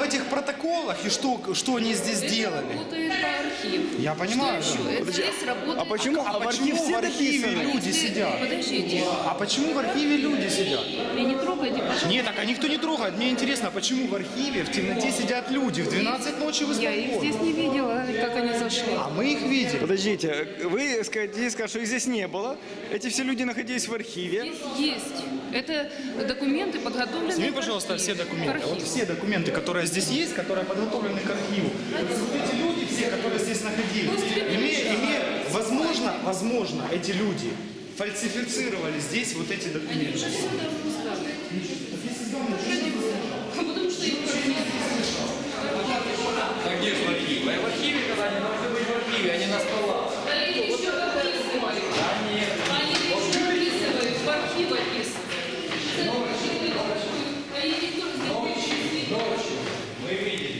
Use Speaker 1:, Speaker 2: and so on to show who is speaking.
Speaker 1: этих протоколах и что они здесь делали.
Speaker 2: Работает архив.
Speaker 1: Я понимаю,
Speaker 2: Что
Speaker 1: да.
Speaker 2: еще? Это здесь работает...
Speaker 3: А почему?
Speaker 1: А
Speaker 3: в архив
Speaker 1: почему
Speaker 3: все
Speaker 1: в архиве
Speaker 3: дописаны?
Speaker 1: люди сидят?
Speaker 2: Подождите.
Speaker 1: А почему в архиве люди сидят?
Speaker 2: И не трогайте, пожалуйста.
Speaker 1: Нет, так а никто не трогает. Мне интересно, почему в архиве в темноте сидят люди в 12 ночи в
Speaker 2: Я их
Speaker 1: исполкоме?
Speaker 2: здесь не видела, как они зашли.
Speaker 1: А мы их видели.
Speaker 3: Подождите, вы скажете, что их здесь не было. Эти все люди находились в архиве.
Speaker 2: Здесь есть. Это документы, подготовленные
Speaker 1: Сними,
Speaker 2: к
Speaker 1: пожалуйста,
Speaker 2: архиву.
Speaker 1: все документы.
Speaker 2: К архиву.
Speaker 1: Вот все документы, которые здесь есть, которые подготовлены к архиву. Вот эти люди, все, которые здесь находились, возможно, эти люди фальсифицировали здесь вот эти документы.
Speaker 2: Потому что их
Speaker 4: А где же в архиве? В архиве, когда они должны быть в архиве, а не на столах.